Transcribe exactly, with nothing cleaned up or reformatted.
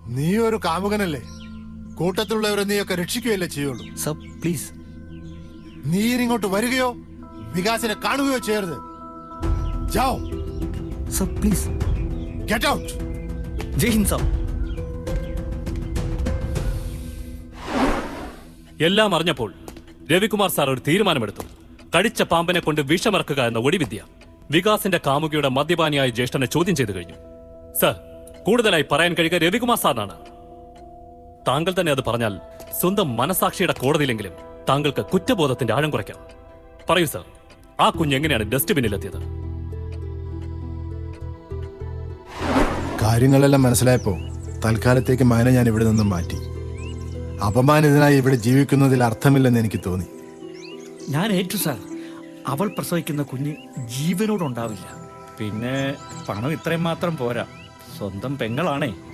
നീ ഒരു കാമുകനല്ലേ? കൂട്ടത്തിലുള്ളവരെ നീയൊക്കെ രക്ഷിക്കുകയല്ലേ ചെയ്യുള്ളൂ. Sir please. നീ ഇങ്ങോട്ട് വരികയോ വികാസിനെ കാണുകയോ ചെയ്യരുത്. ജാओ. Sir please. Get out. Jai Hind sir. എല്ലാം അറിഞ്ഞപ്പോൾ രവികുമാർ സാർ ഒരു തീരുമാനമെടുത്തു. കടിച്ച പാമ്പിനെ കൊണ്ട് വിഷമിറക്കുക എന്ന ഒടിവിദ്യ വികാസിന്റെ കാമുകിയുടെ മദ്യപാനിയായ ജ്യേഷ്ഠനെ ചോദ്യം ചെയ്തു കഴിഞ്ഞു. സർ, കൂടുതലായി പറയാൻ കഴിയുക രവികുമാർ സാറിനാണ്. താങ്കൾ തന്നെ അത് പറഞ്ഞാൽ സ്വന്തം മനസാക്ഷിയുടെ കോടതിയിലെങ്കിലും താങ്കൾക്ക് കുറ്റബോധത്തിന്റെ ആഴം കുറയ്ക്കാം. പറയൂ സർ, ആ കുഞ്ഞ് എങ്ങനെയാണ് ഡസ്റ്റ്ബിന്നിലെത്തിയത്? കാര്യങ്ങളെല്ലാം മനസ്സിലായപ്പോ തൽക്കാലത്തേക്ക് മകനെ ഞാൻ ഇവിടെ നിന്നും മാറ്റി. അപമാനിതനായി ഇവിടെ ജീവിക്കുന്നതിൽ അർത്ഥമില്ലെന്ന് എനിക്ക് തോന്നി. ഞാൻ ഏറ്റു സാർ. അവൾ പ്രസവിക്കുന്ന കുഞ്ഞ് ജീവനോടുണ്ടാവില്ല. പിന്നെ പണം ഇത്രയും മാത്രം പോരാ, സ്വന്തം പെങ്ങളാണേ.